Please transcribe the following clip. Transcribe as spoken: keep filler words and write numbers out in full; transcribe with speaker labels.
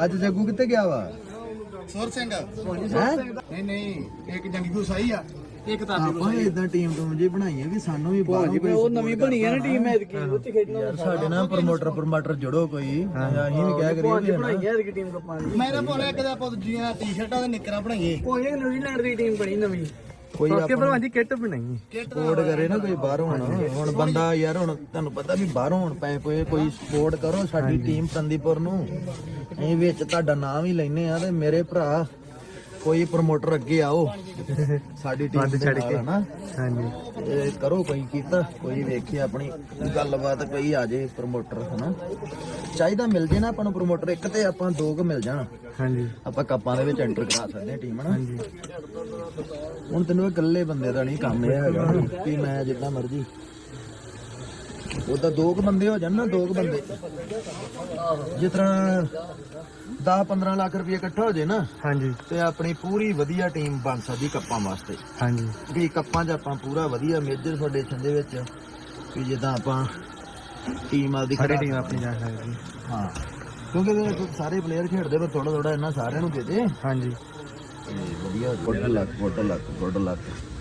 Speaker 1: ਅੱਜ ਜੱਗੂ ਕਿੱਥੇ ਗਿਆ ਵਾ?
Speaker 2: ਸੁਰ ਸਿੰਘ
Speaker 1: ਹੈ
Speaker 2: ਨਹੀਂ ਨਹੀਂ ਇੱਕ ਜੰਗੀ ਸਹੀ ਆ ਇੱਕ ਤਾਂ
Speaker 1: ਆਪਾਂ ਇਦਾਂ ਟੀਮ ਟੂਮ ਜੀ ਬਣਾਈਏ ਵੀ ਸਾਨੂੰ ਵੀ ਬਾਹਰ
Speaker 3: ਉਹ ਨਵੀਂ ਬਣੀ ਆ ਨਾ ਟੀਮ ਐਤਕੀ ਉੱਥੇ ਖੇਡਣਾ
Speaker 1: ਯਾਰ ਸਾਡੇ ਨਾਲ ਪ੍ਰਮੋਟਰ ਪ੍ਰਮੋਟਰ ਜੁੜੋ ਕੋਈ ਅਸੀਂ ਵੀ ਕਹਿ ਕਰੀਏ ਵੀ
Speaker 3: ਬਣਾਈ ਹੈ ਐਤਕੀ ਟੀਮ ਕੱਪਾਂ ਦੀ
Speaker 2: ਮੇਰੇ ਕੋਲ ਇੱਕ ਦਾ ਆਪਾਂ ਦੂਜੀਆਂ ਟੀ-ਸ਼ਰਟਾਂ ਤੇ ਨਿੱਕਰਾਂ ਬਣਾਈਏ
Speaker 3: ਉਹ ਇਹ ਨਿਊਜ਼ੀਲੈਂਡ ਦੀ ਟੀਮ ਬਣੀ ਨਵੀਂ
Speaker 1: ਕੋਈ
Speaker 3: ਸੋਕੇ ਭਲਵਾਨ ਦੀ ਕਿੱਟ ਬਣਾਈ
Speaker 1: ਸਪੋਰਟ ਕਰੇ ਨਾ ਕੋਈ ਬਾਹਰੋਂ ਹੁਣ ਹੁਣ ਬੰਦਾ ਯਾਰ ਹੁਣ ਤੁਹਾਨੂੰ ਪਤਾ ਵੀ ਬਾਹਰੋਂ ਹੁਣ ਪਏ ਪਏ ਕੋਈ ਸਪੋਰਟ ਕਰੋ ਸਾਡੀ ਟੀਮ ਸੰਦੀਪੁਰ ਨੂੰ ਅਸੀਂ ਵਿੱਚ ਤੁਹਾਡਾ ਨਾਮ ਵੀ ਲੈਨੇ ਆ ਤੇ ਮੇਰੇ ਭਰਾ ਕੋਈ ਪ੍ਰਮੋਟਰ ਅੱਗੇ ਆਓ ਸਾਡੀ ਟੀਮ ਦੇ ਨਾਲ ਨਾ
Speaker 3: ਹਾਂਜੀ
Speaker 1: ਇਹ ਕਰੋ ਕੋਈ ਕੀਤਾ ਕੋਈ ਵੇਖੇ ਆਪਣੀ ਗੱਲਬਾਤ ਕੋਈ ਆ ਜੇ ਪ੍ਰਮੋਟਰ ਹਨਾ ਚਾਹੀਦਾ ਮਿਲ ਜੇ ਨਾ ਆਪਾਂ ਨੂੰ ਪ੍ਰਮੋਟਰ ਇੱਕ ਤੇ ਆਪਾਂ ਦੋ ਕੁ ਮਿਲ ਜਾਣ
Speaker 3: ਹਾਂਜੀ
Speaker 1: ਆਪਾਂ ਕੱਪਾਂ ਦੇ ਵਿੱਚ ਐਂਟਰ ਕਰਾ ਸਕਦੇ ਹਾਂ ਟੀਮ ਨਾ ਹੁਣ ਤੈਨੂੰ ਇਕੱਲੇ ਬੰਦੇ ਦਾ ਨਹੀਂ ਕੰਮ ਇਹ ਹੈਗਾ ਕਿ ਮੈਂ ਜਿੱਦਾਂ ਮਰਜ਼ੀ ਉਹਦਾ ਦੋ ਕੁ ਬੰਦੇ ਹੋ ਜਾਣ ਨਾ ਦੋ ਕੁ ਬੰਦੇ ਜਿਸ ਤਰ੍ਹਾਂ ਦਸ ਪੰਦਰਾਂ ਲੱਖ ਰੁਪਏ ਇਕੱਠਾ ਹੋ ਜੇ ਨਾ
Speaker 3: ਹਾਂਜੀ
Speaker 1: ਤੇ ਆਪਣੀ ਪੂਰੀ ਵਧੀਆ ਟੀਮ ਬਣ ਸਕਦੀ ਕੱਪਾਂ ਵਾਸਤੇ
Speaker 3: ਹਾਂਜੀ
Speaker 1: ਵੀ ਕੱਪਾਂ 'ਚ ਆਪਾਂ ਪੂਰਾ ਵਧੀਆ ਮੇਜਰ ਫਾਊਂਡੇਸ਼ਨ ਦੇ ਵਿੱਚ ਵੀ ਜਿੱਦਾਂ ਆਪਾਂ ਟੀਮ ਆਪਦੀ
Speaker 3: ਸਾਡੀ ਟੀਮ ਆਪਣੀ ਜਾ ਸਕਦੀ
Speaker 1: ਹਾਂ ਕਿਉਂਕਿ ਇਹਦੇ ਸਾਰੇ ਪਲੇਅਰ ਖੇਡਦੇ ਪਰ ਥੋੜਾ ਥੋੜਾ ਇਹਨਾਂ ਸਾਰਿਆਂ ਨੂੰ ਦੇ ਦੇ
Speaker 3: ਹਾਂਜੀ
Speaker 1: ਵਧੀਆ good luck good luck good ਲੱਕ